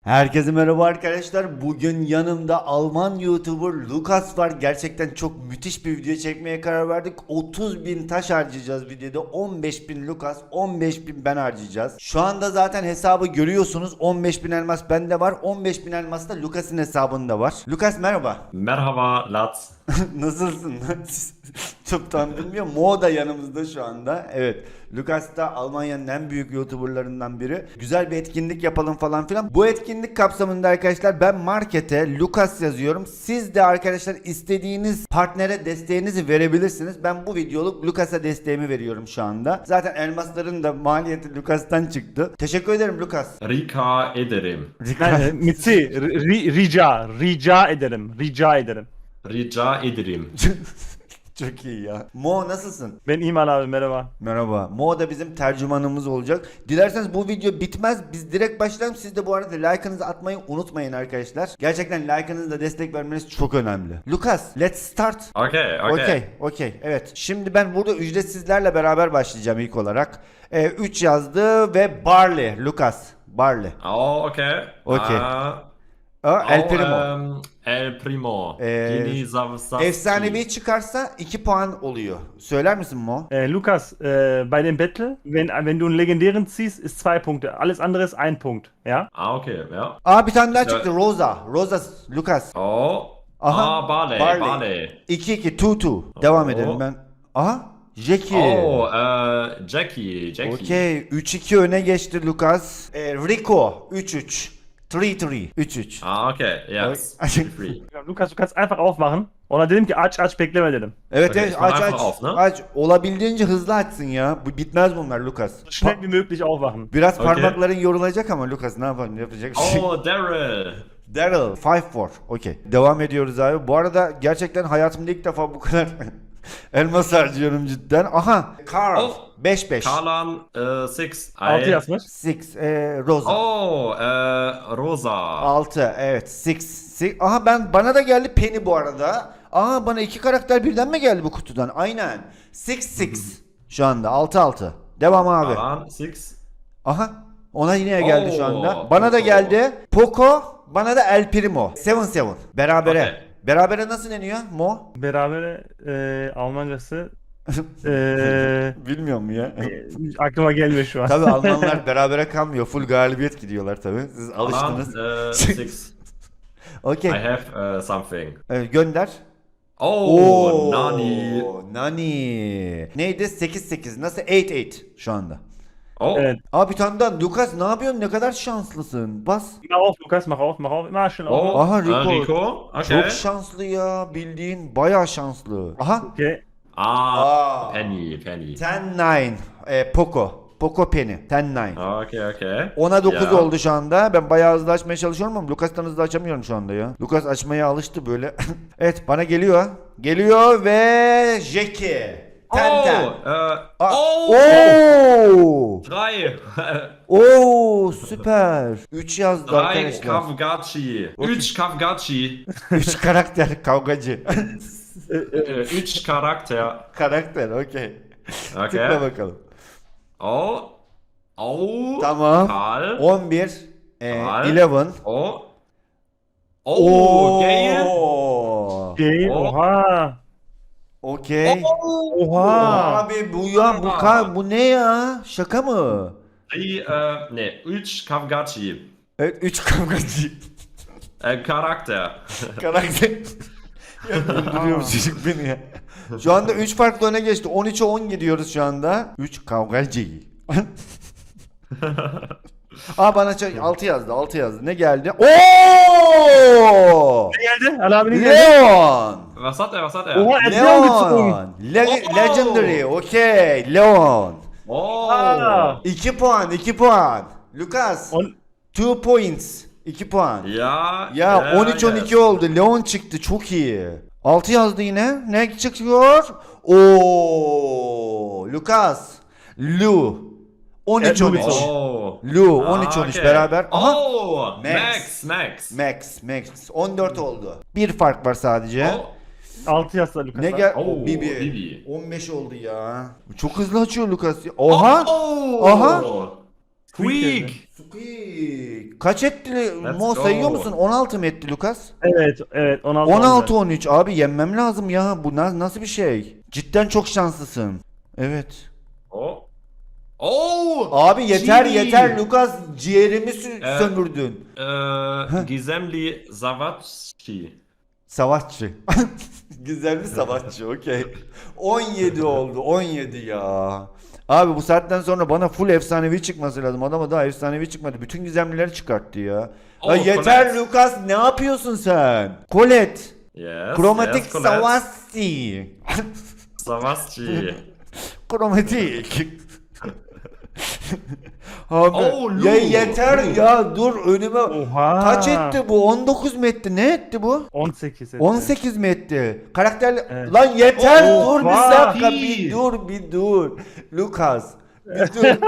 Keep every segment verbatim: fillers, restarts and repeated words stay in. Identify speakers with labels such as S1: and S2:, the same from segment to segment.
S1: Herkese merhaba arkadaşlar. Bugün yanımda Alman YouTuber Lukas var. Gerçekten çok müthiş bir video çekmeye karar verdik. otuz bin taş harcayacağız videoda. on beş bin Lukas, on beş bin ben harcayacağız. Şu anda zaten hesabı görüyorsunuz. on beş bin elmas bende var. on beş bin elmas da Lukas'ın hesabında var. Lukas merhaba.
S2: Merhaba Latz.
S1: Nasılsın? Çok tam bilmiyorum. Mo da yanımızda şu anda. Evet. Lukas da Almanya'nın en büyük YouTuber'larından biri. Güzel bir etkinlik yapalım falan filan. Bu etkinlik kapsamında arkadaşlar ben markete Lukas yazıyorum. Siz de arkadaşlar istediğiniz partnere desteğinizi verebilirsiniz. Ben bu videoluk Lukas'a desteğimi veriyorum şu anda. Zaten elmasların da maliyeti Lukas'tan çıktı. Teşekkür ederim Lukas.
S2: Rika ederim.
S3: Nein, mit C. Ri- Rica. Rica ederim. Rica ederim.
S2: Rica ederim.
S1: Çok iyi ya. Mo nasılsın?
S3: Ben İman abi merhaba.
S1: Merhaba. Mo da bizim tercümanımız olacak. Dilerseniz bu video bitmez. Biz direkt başlayalım. Siz de bu arada like'ınızı atmayı unutmayın arkadaşlar. Gerçekten like'ınızla destek vermeniz çok önemli. Lucas, let's start.
S2: Okay, okay.
S1: Okey, okey. Evet. Şimdi ben burada ücretsizlerle beraber başlayacağım ilk olarak. Ee, üç yazdı ve Barley. Lucas. Barley.
S2: Oh, okay.
S1: Okay.
S2: Ah,
S1: Aa, El
S2: oh,
S1: Primo.
S2: ähm, El Primo.
S1: Ee,
S2: Yeni Zavsavski.
S1: Efsanevi çıkarsa iki puan oluyor. Söyler misin Mo?
S3: Äh, Lukas, äh, bei dem Battle, wenn, wenn du einen legendären ziehst, ist zwei Punkte. Alles andere ist ein Punkt. Ja?
S2: Ah, okay, ja.
S1: Aa bir tane daha
S2: Ya-
S1: çıktı. Rosa. Rosa Lucas.
S2: Oh.
S1: Aha,
S2: Ah, Barley,
S1: Barley.
S2: Barley.
S1: iki iki iki iki. Devam
S2: Oo.
S1: edelim ben. Aha. Jackie.
S2: Oh, äh, Jackie, Jackie.
S1: Okey. üç iki öne geçti Lucas. Ee, Rico. üç üç. üç üç. üç üç.
S2: Ah, okay, yes.
S1: Okay.
S2: Free.
S3: Lukas, du kannst einfach aufmachen. Ona dedim ki aç aç bekleme dedim.
S1: Evet
S2: Okay,
S1: evet
S2: ich mach
S1: aç aç.
S2: einfach auf, ne?
S1: Aç. Olabildiğince hızlı açsın ya. Bu bitmez bunlar Lucas.
S3: So schnell
S1: Pa-
S3: wie möglich aufwachen.
S1: Biraz
S2: Okay.
S1: parmakların yorulacak ama Lucas ne yapalım yapacak bir şey.
S2: Oh, Daryl.
S1: Daryl beş dört. Okey. Devam ediyoruz abi. Bu arada gerçekten hayatımda ilk defa bu kadar elmas harcıyorum cidden. Aha. Carl.
S2: Oh.
S1: beş beş.
S2: Kalan, äh, six.
S3: Altı
S2: I-
S3: yazmış.
S1: altı. E, Rosa.
S2: Oh, äh, Rosa.
S1: altı. Evet. altı. Aha ben bana da geldi Penny bu arada. Aha bana iki karakter birden mi geldi bu kutudan? Aynen. altı altı. Şu anda altı altı. Devam abi.
S2: Kalan, six.
S1: Aha. Ona yine geldi şu
S2: Oo,
S1: anda. Bana da
S2: Poco.
S1: geldi. Poco. Bana da El Primo. yedi yedi. Berabere.
S2: Okay.
S1: Berabere nasıl deniyor Mo?
S3: Berabere äh, Almancası äh,
S1: Bilmiyorum ya.
S3: aklıma gelmiyor şu an.
S1: Tabii Almanlar berabere kalmıyor. Full galibiyet gidiyorlar tabii. Siz
S2: Kalan,
S1: alıştınız.
S2: äh, six.
S1: Okey.
S2: I have uh, something.
S1: Ee, gönder.
S2: Oh, Nani.
S1: Nani. Neydi? sekiz sekiz. Nasıl? sekiz sekiz şu anda.
S2: Oh,
S3: Evet.
S1: Abi bir tane daha. Lucas ne yapıyorsun? Ne kadar şanslısın. Bas.
S3: Mach auf, Lukas, mach auf, mach auf. Immer schnell auf.
S2: oh,
S1: Aha,
S2: äh,
S1: Rico.
S2: Rico. Okay.
S1: Çok şanslı ya. Bildiğin bayağı şanslı. Aha.
S3: Okay.
S2: Ah,
S1: Aa.
S2: Penny, Penny.
S1: on dokuz. Ee, Poco. Poco Penny. on dokuz.
S2: Okay, okay.
S1: ona dokuz
S2: Ya.
S1: oldu şu anda. Ben bayağı hızlı açmaya çalışıyorum ama Lucas'tan hızlı açamıyorum şu anda ya. Lucas açmaya alıştı böyle. Evet bana geliyor. Geliyor ve Jackie. Ten ten.
S2: Oh, äh,
S1: Aa,
S2: oh,
S1: Oo!
S2: drei.
S1: Oo süper. üç yazdı
S2: Drei
S1: arkadaşlar.
S2: Kavgachi. Üç Kavgachi.
S1: üç karakter kavgacı.
S2: Äh, Üç Charakter.
S1: karakter okey. Tıkla
S2: Okay.
S1: bakalım.
S2: Oh, oh.
S1: Tamam.
S2: Karl.
S1: on bir. E,
S2: Karl.
S1: on bir.
S2: Oh. Oh, Gale.
S1: Oo.
S3: Okay.
S2: Oh.
S3: Oha.
S1: Okey.
S3: Oha.
S1: Abi bu ya bu ka bu ne ya? Şaka mı?
S2: Die, äh, ne, üç Kavgachi.
S1: Evet üç kavgacı.
S2: Äh, Charakter.
S1: Karakter. Ya öldürüyor bu çocuk beni ya. Şu anda üç farklı öne geçti. on üçe on gidiyoruz şu anda. üç kavgacı. Aa bana altı yazdı. altı yazdı. Ne geldi? Oo!
S3: Ne geldi? Ali abi ne geldi?
S1: Leon.
S2: Was hat er, was hat er?
S3: Oha, er hat Leon gezogen.
S1: Leon. Le-
S2: Oh!
S1: Legendary. Okey. Leon.
S2: Oh.
S3: Aa.
S1: iki puan. iki puan. Lucas.
S3: On,
S1: iki points. iki puan.
S2: Ya.
S1: Ya on üç on iki
S2: yes.
S1: oldu. Leon çıktı. Çok iyi. altı yazdı yine. Ne çıkıyor? Oo! Lucas. Lu. on üç on üç.
S3: Evet,
S2: Oh.
S1: Lu
S2: Ah,
S1: on üç on üç
S2: okay.
S1: beraber. Aha.
S2: Oh.
S1: Max.
S2: Max. Max.
S1: Max, Max. on dört oldu. Bir fark var sadece.
S2: Oh.
S3: altı yazdı Lukas.
S1: Ne gel?
S2: Oo,
S1: Bibi.
S2: Bibi.
S1: on beş oldu ya. Çok hızlı açıyor Lucas. ya. Oha.
S2: Oh.
S1: Aha.
S2: Squeak.
S1: Squeak. Kaç etti?
S2: Let's
S1: Mo
S2: go.
S1: sayıyor musun? on altı mı etti Lucas?
S3: Evet, evet. on altı.
S1: on altı on üç abi yenmem lazım ya. Bu na- nasıl bir şey? Cidden çok şanslısın. Evet.
S2: Oh. Oh.
S1: Abi yeter
S2: Genie.
S1: yeter Lucas ciğerimi sü-
S2: Ee,
S1: sömürdün.
S2: Äh, Gizemli Savacci.
S1: Savaşçı. Gizemli savaşçı okey. on yedi oldu on yedi ya. Abi bu saatten sonra bana full efsanevi çıkması lazım. Adama daha efsanevi çıkmadı. Bütün gizemlileri çıkarttı ya.
S2: Oh,
S1: Ya yeter
S2: Colette.
S1: Lucas ne yapıyorsun sen? Colette.
S2: Yes.
S1: Kromatik
S2: yes, Colette.
S1: Savassi.
S2: Savacci.
S1: Kromatik. Abi
S2: Oh, Lu.
S1: ya yeter ya dur önüme.
S3: Oha.
S1: Kaç etti bu? on dokuz mu etti? Ne etti bu?
S3: on sekiz. etti.
S1: on sekiz mi etti? Karakterli...
S3: Evet.
S1: Lan yeter
S3: Oh,
S1: dur bir
S3: vay.
S1: dakika bir dur bir dur. Lucas. Bir dur.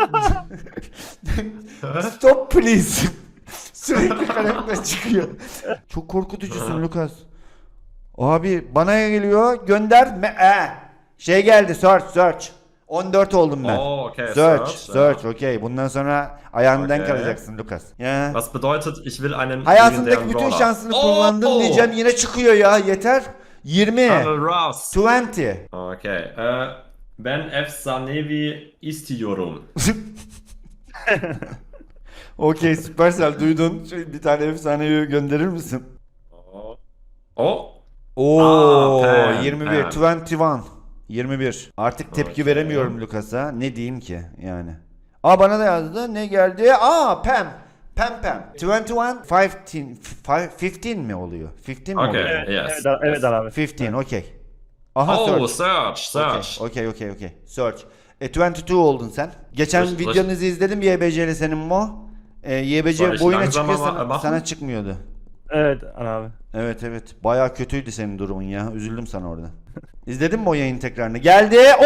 S1: Stop please. Sürekli karakter çıkıyor. Çok korkutucusun Lucas. Abi bana geliyor gönder. Me- e. Şey geldi search search. on dört oldum ben.
S2: Oh, okay,
S1: Search
S2: search,
S1: search okey. Bundan sonra ayağından
S2: Okay.
S1: kalacaksın Lucas. Ya.
S2: Was bedeutet, ich will einen
S1: Hayatındaki
S2: legendären
S1: bütün
S2: Brawler.
S1: şansını
S2: Oh!
S1: kullandın diyeceğim yine çıkıyor ya yeter. yirmi.
S2: Colonel Ross.
S1: yirmi.
S2: Okay. Äh, ben efsanevi istiyorum.
S1: Okey Supercell duydun. Şöyle bir tane efsaneyi gönderir misin?
S2: Oh. Oh.
S1: Oo
S2: Aa, Pam,
S1: yirmi bir.
S2: Pam.
S1: yirmi bir. yirmi bir. Artık tepki
S2: Okey.
S1: veremiyorum Lucas'a. Ne diyeyim ki yani. Aa bana da yazdı. Ne geldi? Aa Pam. Pam Pam. yirmi bir. on beş mi oluyor? on beş mi
S2: Okay.
S1: oluyor?
S3: Evet,
S2: Yes.
S3: evet, evet abi.
S1: on beş okey. Aha
S2: Oh,
S1: search.
S2: search, search.
S1: Okey okey okey. Search. E yirmi iki oldun sen. Geçen
S2: Dur, dur.
S1: videonuzu izledim Y B C'li senin Mo. E, Y B
S2: Soll
S1: C
S2: ich
S1: boyuna
S2: langsam
S1: çıkıyor
S2: ama-
S1: sana,
S2: machen?
S1: sana çıkmıyordu.
S3: Evet abi.
S1: Evet evet. Bayağı kötüydü senin durumun ya. Üzüldüm sana orada. İzledin mi o yayın tekrarını? Geldi. Oo!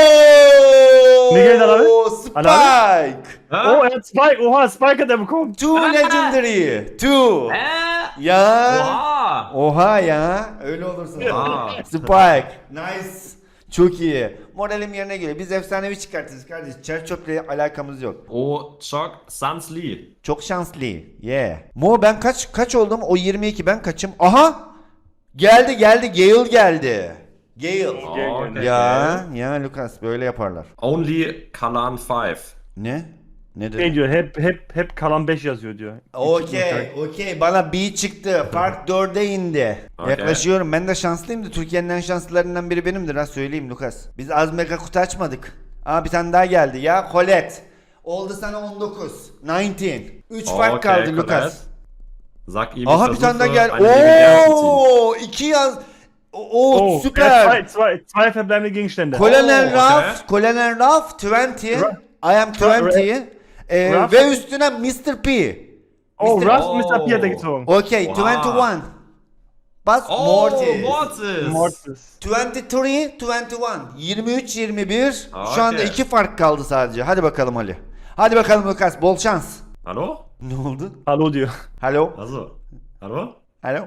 S3: Ne geldi abi?
S1: Spike.
S2: Ah?
S3: Oh, er hat Spike. Oha, Spike hat er bekommen.
S1: Two legendary. Two.
S2: Äh?
S1: Ya.
S2: Oha.
S1: Oha ya. Öyle olursun.
S2: Aa.
S1: Spike. Nice. Çok iyi. Moralim yerine geliyor. Biz efsanevi çıkartırız kardeş. Çerçöple alakamız yok.
S2: Oh, çok Sansli.
S1: Çok şanslı. Yeah. Mo ben kaç kaç oldum? O yirmi iki ben kaçım? Aha! Geldi geldi. Gale geldi. Gale.
S2: Oh, okay.
S1: Ya ya Lucas böyle yaparlar.
S2: Only Kalan five.
S1: Ne? Ne
S3: Ne
S1: dedi?
S3: diyor? Hep hep hep kalan beş yazıyor diyor.
S1: Okey, okey. Bana B çıktı. Fark dörde indi.
S2: Okey.
S1: Yaklaşıyorum. Ben de şanslıyım da Türkiye'nin en şanslılarından biri benimdir ha söyleyeyim Lucas. Biz az mega kutu açmadık. Aa bir tane daha geldi ya. Colette. Oldu sana on dokuz. on dokuz. üç fark
S2: Okay,
S1: kaldı
S2: Colette.
S1: Lucas.
S2: Sag ihm,
S1: Aha
S2: ich
S1: bir tane daha
S2: versuche,
S1: gel.
S2: einen legendären zu ziehen.
S1: Oo, iki yaz. Oo,
S3: Oh,
S1: süper.
S3: Er hat zwei, zwei, zwei verbleibende Gegenstände.
S1: Colonel
S2: Oh, okay.
S1: Ruff, Colonel Ruff yirmi. I am yirmi. Ee,
S3: Ruff-
S1: ve üstüne mister P.
S3: Oh,
S1: mister
S3: Russ
S2: Oh.
S3: mister P hat er gezogen.
S1: Okey,
S2: Wow.
S1: yirmi bir. Bas
S2: Oh,
S1: Mortis.
S2: Mortis.
S3: Mortis.
S1: yirmi üç, yirmi bir. yirmi üç, yirmi bir.
S2: Aa,
S1: Şu anda
S2: okey.
S1: iki fark kaldı sadece. Hadi bakalım Ali. Hadi bakalım Lucas, bol şans.
S2: Hallo?
S1: Ne oldu?
S3: Hallo diyor.
S1: Hello?
S2: Also. Hallo?
S1: Hello?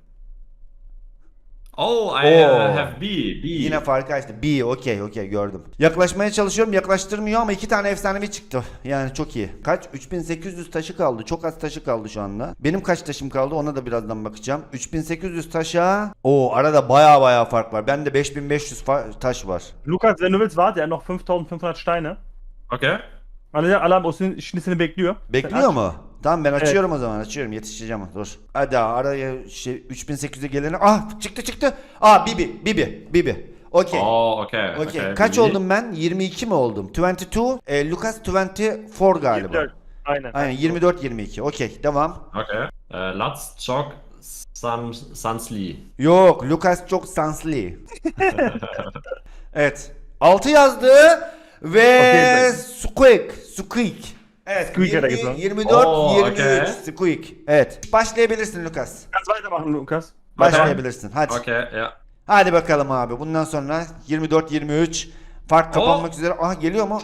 S2: Oh, I uh,
S1: Oh.
S2: have B. B.
S1: Yine farkı açtı. B, okey, okey gördüm. Yaklaşmaya çalışıyorum, yaklaştırmıyor ama iki tane efsanevi çıktı. Yani çok iyi. Kaç? üç bin sekiz yüz taşı kaldı. Çok az taşı kaldı şu anda. Benim kaç taşım kaldı ona da birazdan bakacağım. üç bin sekiz yüz taşa. Oo arada baya baya fark var. Bende beş bin beş yüz fa- taş var.
S3: Lukas, wenn du willst, warte, er hat noch fünftausendfünfhundert Steine.
S2: Okay.
S3: Alle, alle haben aus den Schnitzeln bekliyor.
S1: Bekliyor mu? Tamam ben açıyorum o zaman açıyorum yetişeceğim dur. Hadi araya şey üç bin sekiz yüze gelene. Ah çıktı çıktı. Aa Bibi Bibi Bibi. Okey.
S2: Oh, okay.
S1: Okey.
S2: okay.
S1: Kaç
S2: B.
S1: oldum ben? yirmi iki mi oldum? yirmi iki. E, Lucas yirmi dört galiba.
S3: yirmi dört. Aynen.
S1: Aynen yirmi dört yirmi iki. Okey devam.
S2: Okay. Äh, Latz, Chok, San, Sansli.
S1: Yok Lucas çok sanslı. Evet. altı yazdı ve
S3: Okey,
S1: Squeak. Squeak. Evet.
S3: Squeak'e de
S1: yirmi,
S3: gidiyor.
S1: yirmi dört
S2: Oo,
S1: yirmi üç.
S2: okey.
S1: Squeak. Evet. Başlayabilirsin Lucas.
S3: Kannst weitermachen, Lukas.
S1: Başlayabilirsin. Hadi.
S2: Okay, ja.
S1: Hadi bakalım abi. Bundan sonra yirmi dört yirmi üç fark kapanmak üzere. Aha geliyor mu?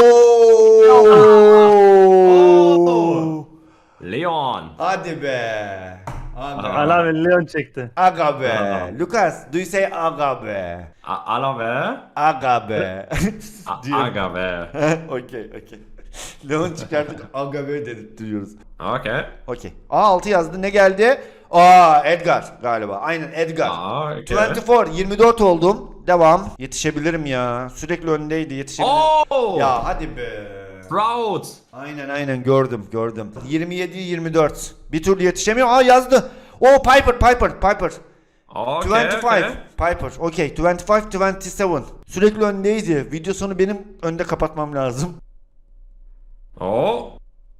S1: Oo!
S2: Leon.
S1: Hadi be. Aga,
S3: Allah ve Leon çekti.
S1: aga be.
S2: Aa.
S1: Lucas, do you say aga be?
S2: A- Alave.
S1: Aga be.
S2: A-
S1: Diyor.
S2: Agave.
S1: Okey, okey. Leon çıkarttık aga be dedirtiyoruz.
S2: Okay.
S1: Okey. Aa altı yazdı. Ne geldi? Aa Edgar galiba. Aynen Edgar.
S2: Ah, okay.
S1: yirmi dört, yirmi dört oldum. Devam. Yetişebilirim ya. Sürekli öndeydi. Yetişebilirim.
S2: Oh!
S1: Ya hadi be.
S2: Proud.
S1: Aynen aynen gördüm gördüm. yirmi yedi yirmi dört. Bir türlü yetişemiyor. Aa yazdı. O Piper Piper Piper.
S2: Okay,
S1: yirmi beş
S2: okay.
S1: Piper. Okey. yirmi beş yirmi yedi. Sürekli öndeydi. Video sonu benim önde kapatmam lazım.
S2: Oh.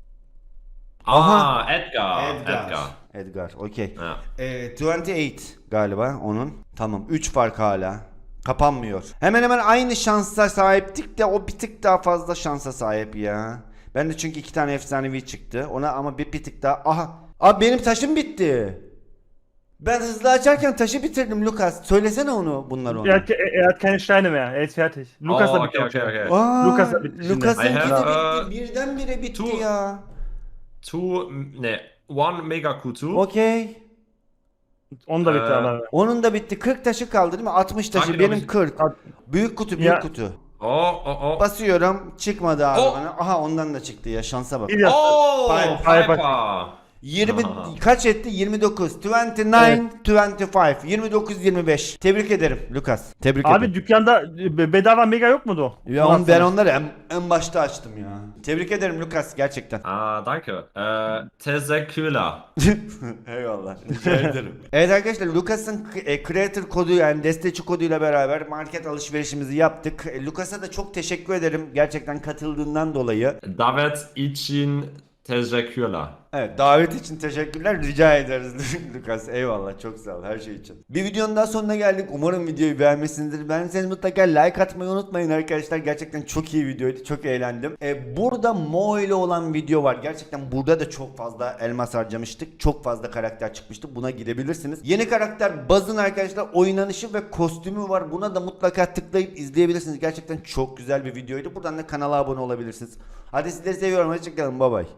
S1: Aha.
S2: Ah, Edgar. Edgar.
S1: Edgar. Okey.
S2: Yeah.
S1: Ee, yirmi sekiz galiba onun. Tamam. üç fark hala. Kapanmıyor. Hemen hemen aynı şansa sahiptik de o bir tık daha fazla şansa sahip ya. Ben de çünkü iki tane efsanevi çıktı. Ona ama bir, bir tık daha. Aha. Abi benim taşım bitti. Ben hızlı açarken taşı bitirdim Lucas. Söylesene onu bunlar ona.
S3: Er hat, ke- er hat keine Steine mehr. Er ist fertig. Lukas
S2: Oh,
S3: da bitti.
S2: okay, okay, okay.
S1: Aa,
S3: Lucas da bitti.
S1: Lucas'ınki
S2: I
S1: de
S2: have,
S1: bitti. Birdenbire bitti
S2: two-
S1: ya.
S2: Two, ne, one mega Q two.
S1: Okey.
S3: Onu da bitti
S2: Ee,
S3: ama.
S1: Onun da bitti. kırk taşı kaldı değil mi? altmış taşı.
S2: Hangi
S1: Benim
S2: dokuz-
S1: kırk.
S3: At-
S1: Büyük kutu, büyük
S3: Ya.
S1: kutu.
S2: Oh, oh, oh.
S1: Basıyorum. Çıkmadı abi
S2: Oh.
S1: bana. Aha ondan da çıktı ya. Şansa bak.
S3: Bir yaptı.
S2: Oh,
S1: Piper.
S2: Piper.
S1: yirmi
S2: Aha.
S1: kaç etti? yirmi dokuz. yirmi dokuz, yirmi beş. yirmi dokuz yirmi beş. Tebrik ederim Lucas. Tebrik
S3: Abi
S1: ederim.
S3: dükkanda e, bedava mega yok mudu?
S1: Ya on, ben onları en, en başta açtım ya. Tebrik ederim Lucas gerçekten.
S2: Ah, danke. Äh, teşekkürler.
S1: Eyvallah. Rica ederim. Evet arkadaşlar Lucas'ın e, creator kodu yani destekçi koduyla beraber market alışverişimizi yaptık. E, Lucas'a da çok teşekkür ederim gerçekten katıldığından dolayı.
S2: David için teşekkürler.
S1: Evet davet için teşekkürler rica ederiz Lucas eyvallah çok sağ ol her şey için. Bir videonun daha sonuna geldik umarım videoyu beğenmişsinizdir. Beğendiyseniz mutlaka like atmayı unutmayın arkadaşlar gerçekten çok iyi videoydu çok eğlendim. Ee, burada Mo ile olan video var gerçekten burada da çok fazla elmas harcamıştık çok fazla karakter çıkmıştı buna gidebilirsiniz. Yeni karakter Buzz'ın arkadaşlar oynanışı ve kostümü var buna da mutlaka tıklayıp izleyebilirsiniz gerçekten çok güzel bir videoydu. Buradan da kanala abone olabilirsiniz. Hadi sizleri seviyorum hoşçakalın bye bye.